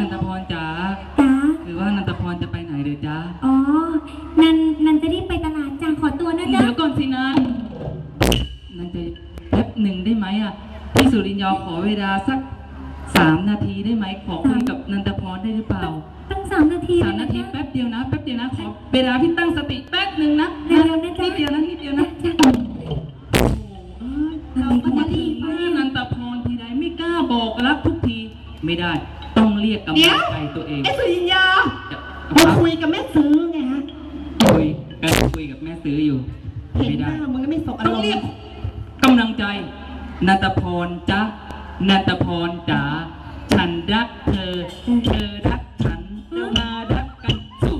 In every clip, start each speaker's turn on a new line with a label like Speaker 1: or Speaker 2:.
Speaker 1: นันทพรจ๋า
Speaker 2: จ้า
Speaker 1: คือว่านันทพรจะไปไหนเดี๋ยวจ้า
Speaker 2: อ๋อนันจะรีบไปตลาดจ้าขอตัวนะจ๊ะ
Speaker 1: เดี๋ยวก่อนสินันจะแป๊บหนึ่งได้ไหมอ่ะพี่สุรินทร์ขอเวลาสัก3 นาทีได้ไหมขอคุยกับนันทพรได้หรือเปล่า
Speaker 2: ตั้ง3 นาที
Speaker 1: 3 นาทีแป๊บเดียวนะขอเวลาพี่ตั้งสติแป๊บหนึ่งนะ
Speaker 2: เร็วๆนะจ๊ะ
Speaker 1: นิดเดียวนะเราก็มาถึงนันทพรทีไรไม่กล้าบอกรักทุกทีไม่ได้ต้องเรียกกำลังใจตัวเอง
Speaker 3: ไอ้สุริยามาคุยกับแม่ซื้อไงฮะ
Speaker 1: คุยกับแม่ซื้ออยู่
Speaker 3: ไม่ได้มึงก็ไม่สบอารมณ์
Speaker 1: ต้องเรียกกำลังใจนันทพรจ๊ะนันทพรจ๋าฉันรักเธอรักฉันเรามารักกันสู้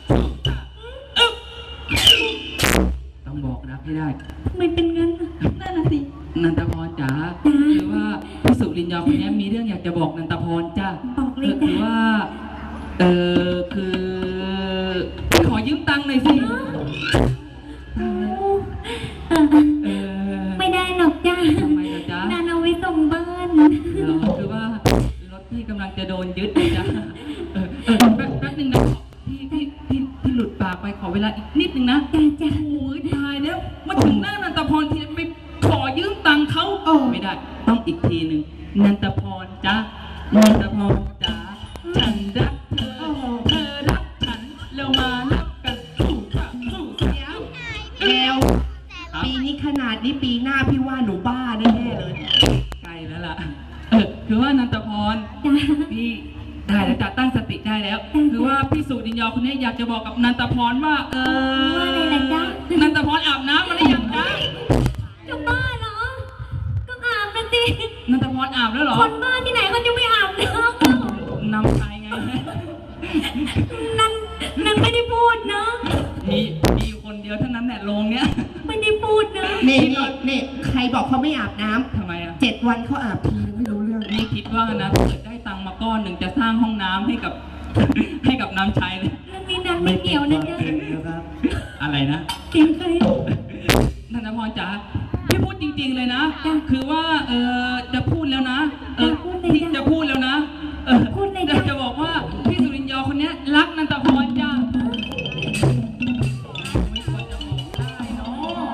Speaker 1: ต้องบอกรักให้ได้
Speaker 2: ไม่เป็นงั้น
Speaker 1: นั่นน่ะสินันทพรจ๋าคือว่าพี่สุรินทร์คนนี้มีเรื่องอยากจะบอกนันทพรจ้า
Speaker 2: บอกเลย
Speaker 1: คือว่าคือขอยืมตังค์หน่อยสิ
Speaker 2: ไม่ได้หรอกจ้า
Speaker 1: ทำไมล่ะจ๊ะ
Speaker 2: นานเอาไว้ส่งบ้าน
Speaker 1: คือว่ารถพี่กำลังจะโดนยึดเลยจ้ะแป๊บนึงนะพี่หลุดปากไปขอเวลาอีกนิดนึงนะ
Speaker 2: จ้า
Speaker 1: โอ้ยตายแล้วมาถึงหน้านันทพรทีไปขอยืมตังค์เขาไม่ได้ต้องอีกทีหนึ่งนันทพรจ้ะนันทพรจ๋าฉันรักเธอรักฉันเรามารักกันสู้
Speaker 3: แล้วปีนี้ขนาดนี้ปีหน้าพี่ว่าหนูบ้าแน่ๆเลย
Speaker 1: ใกล้แล้วล่ะคือว่านันทพรพี่ได้แล้วจะตั้งสติได้แล้วคือว่าพี่สุรินทร์คนนี้อยากจะบอกกับนันทพรว่า
Speaker 2: ว่าอะไรล่ะจ๊ะ
Speaker 1: นันทพรอาบน้ำมาหรือยังจ๊ะ
Speaker 2: จะบ้าเหรอก็อาบนะสิ
Speaker 1: นันทพรอาบแล้วเหรอ
Speaker 2: คนบ้าที่ไหนเขาจะไม่อาบ
Speaker 1: น้ำชายไง
Speaker 2: นั่นไม่ได้พูดนะ
Speaker 1: มีคนเดียวเท่านั้นแหละโรงเนี้ย
Speaker 2: ไม่ได้พูดนะ
Speaker 3: นี่ใครบอกเขาไม่อาบน้ำ
Speaker 1: ทำไมอ่ะ
Speaker 3: 7 วันเขาอาบทีไม่รู้เรื่อง
Speaker 1: นี่คิดว่านะเกิดได้ตังค์มาก้อนหนึ่งจะสร้างห้องน้ำให้กับน้ำใช้เลย
Speaker 2: เรื่องนี้นันไม่เกี่ยวนะจ๊ะ
Speaker 1: อะไรนะ
Speaker 2: เกี่ยวใคร
Speaker 1: นันทพรจ๋าพี่พูดจริงๆเลยนะคือว่าจะพูดแล้วนะพี่จะพูดแล้วนะจะบอกว่าพี่สุรินทร์คนนี้รักนันทพรจ้าไม่ควรจะบอกได้เนาะ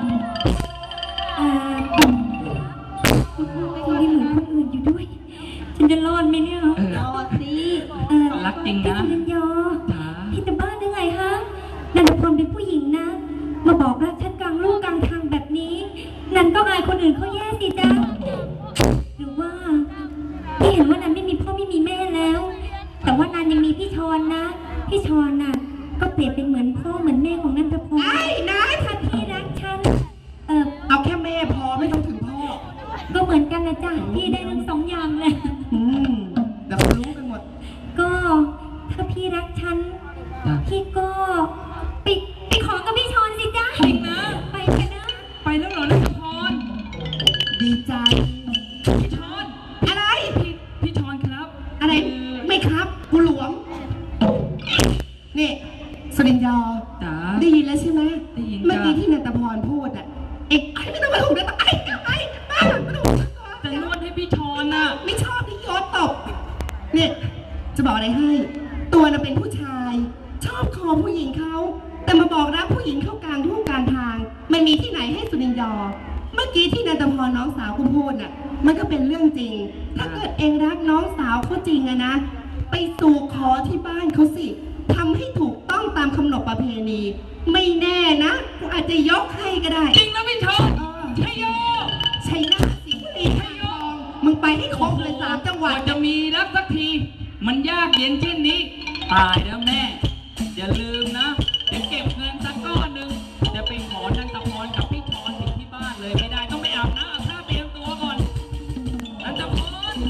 Speaker 2: คนที่เหมือนคนอื่นอยู่ด้วยฉันจะรอดไหมเนี่ย
Speaker 3: รอดสิ
Speaker 1: รักจริงนะ
Speaker 2: พี่สุรินทร์พี่จะบ้าได้ไงฮะนันทพรเป็นผู้หญิงนะมาบอกรักฉันกลางลูกกลางทางแบบนี้นันก็อายคนอื่นเขาแย่สิจ๊ะหรือว่าพี่เห็นว่านันไม่มีพ่อไม่มีแม่แล้วแต่ว่านันยังมีพี่ชอนนะพี่ชอนน่ะก็เปรียบเป็นเหมือนพ่อเหมือนแม่ของนันทพร
Speaker 3: ไอ้นะ
Speaker 2: ถ้าพี่รักฉัน
Speaker 3: เอาแค่แม่พอไม่ต้องถึงพ่อ
Speaker 2: ก็เหมือนกันนะจ๊ะพี่ได้ทั้ง2 อย่างเลย
Speaker 3: เดี๋ยวเขารู้กันหมด
Speaker 2: ก็ถ้าพี่รักฉันพี่ก็ไปขอกับพี่ชอนสิจ๊ะ
Speaker 1: จริงนะ
Speaker 2: ไปกันนะ
Speaker 1: ไปแล้วเหรอนันทพร
Speaker 3: ดีใจ
Speaker 1: พี่ชอน
Speaker 3: อะไร
Speaker 1: พี่ชอนครับ
Speaker 3: อะไรไม่ครับกูหลวงนี่สุรินทร์
Speaker 1: จ๋า
Speaker 3: ได้ยินแล้วใช่ไหม
Speaker 1: ได้ยิน
Speaker 3: เมื่อกี้ที่นันทพรพูดอ่ะเอ็กไอ้ไม่ต้องมาถูกนะไอ้บ้าไม่ต้อง
Speaker 1: จะนวดให้พี่ชอนน่ะ
Speaker 3: ไม่ชอบที่ยศตบเนี่ยจะบอกอะไรให้ตัวน่ะเป็นผู้ชายชอบคอผู้หญิงเขาแต่มาบอกรักผู้หญิงเข้ากลางทุ่งกลางทางมันมีที่ไหนให้สุรินทร์เมื่อกี้ที่นันทพรน้องสาวคุณพูดน่ะมันก็เป็นเรื่องจริงถ้าเกิดเองรักน้องสาวเขาจริงอะนะไปสู่ขอที่บ้านเขาสิทำให้ถูกต้องตามคำนบประเพณีไม่แน่นะกูอาจจะยกให้ก็ได้
Speaker 1: จริงนะพี่ชอนชัยโย
Speaker 3: ชัยนาทสิงห์บุรีชัยทองมึงไปให้ครบเลย3 จังหวัด
Speaker 1: จะมีรักสักทีมันยากเย็นเช่นนี้ตายแล้วแม่อย่าลืม